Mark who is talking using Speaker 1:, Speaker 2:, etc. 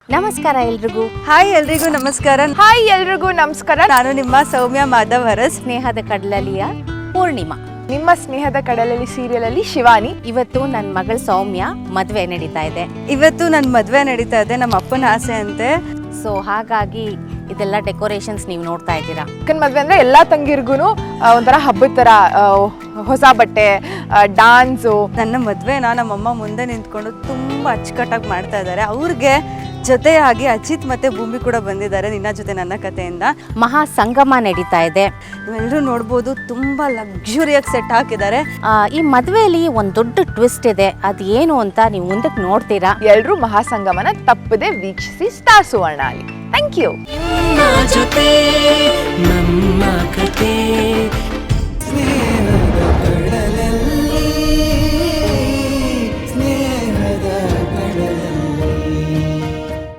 Speaker 1: ನಮಸ್ಕಾರ ಎಲ್ರಿಗೂ.
Speaker 2: ಹಾಯ್ ಎಲ್ರಿಗೂ ನಮಸ್ಕಾರ.
Speaker 3: ಹಾಯ್ ಎಲ್ರಿಗೂ ನಮಸ್ಕಾರ.
Speaker 2: ನಾನು ನಿಮ್ಮ ಸೌಮ್ಯ ಮಾಧವ್ ಹರಸ್.
Speaker 1: ಸ್ನೇಹದ ಕಡಲಲಿಯ ಪೂರ್ಣಿಮಾ.
Speaker 3: ನಿಮ್ಮ ಸ್ನೇಹದ ಕಡಲಲ್ಲಿ ಸೀರಿಯಲ್ ಅಲ್ಲಿ ಶಿವಾನಿ.
Speaker 1: ಇವತ್ತು ನನ್ನ ಮಗಳ ಸೌಮ್ಯ ಮದುವೆ ನಡೀತಾ ಇದೆ.
Speaker 2: ಇವತ್ತು ನನ್ನ ಮದುವೆ ನಡೀತಾ ಇದೆ, ನಮ್ಮ ಅಪ್ಪನ ಆಸೆ ಅಂತೆ.
Speaker 1: ಸೊ ಹಾಗಾಗಿ ಇದೆಲ್ಲ ಡೆಕೋರೇಷನ್ಸ್ ನೀವು ನೋಡ್ತಾ ಇದ್ದೀರಾ.
Speaker 3: ಅಕ್ಕನ ಮದ್ವೆ ಅಂದ್ರೆ ಎಲ್ಲಾ ತಂಗಿರ್ಗು ಒಂಥರ ಹಬ್ಬದ ತರ ಹೊಸ ಬಟ್ಟೆ, ಡಾನ್ಸು.
Speaker 2: ನನ್ನ ಮದುವೆನ ನಮ್ಮಮ್ಮ ಮುಂದೆ ನಿಂತ್ಕೊಂಡು ತುಂಬ ಅಚ್ಚುಕಟ್ಟಾಗಿ ಮಾಡ್ತಾ ಇದ್ದಾರೆ. ಅವ್ರಿಗೆ ಜೊತೆಯಾಗಿ ಅಜಿತ್ ಮತ್ತೆ ಭೂಮಿ ಕೂಡ ಬಂದಿದ್ದಾರೆ ನಿನ್ನ ಜೊತೆ ನನ್ನ ಕಥೆಯಿಂದ.
Speaker 1: ಮಹಾ ಸಂಗಮ ನಡೀತಾ ಇದೆ.
Speaker 2: ನೀವೆಲ್ಲರೂ ನೋಡ್ಬೋದು, ತುಂಬ ಲಕ್ಸುರಿಯಾಗಿ ಸೆಟ್ ಹಾಕಿದ್ದಾರೆ.
Speaker 1: ಈ ಮದುವೆಯಲ್ಲಿ ಒಂದು ದೊಡ್ಡ ಟ್ವಿಸ್ಟ್ ಇದೆ. ಅದು ಏನು ಅಂತ ನೀವು ಮುಂದಕ್ಕೆ ನೋಡ್ತೀರಾ.
Speaker 3: ಎಲ್ರೂ ಮಹಾಸಂಗಮನ ತಪ್ಪದೆ ವೀಕ್ಷಿಸಿ ಸ್ಟಾರ್ ಸುವರ್ಣ ಅಲ್ಲಿ. Thank you.
Speaker 4: ಜೊತೆ ನಮ್ಮ ಕತೆ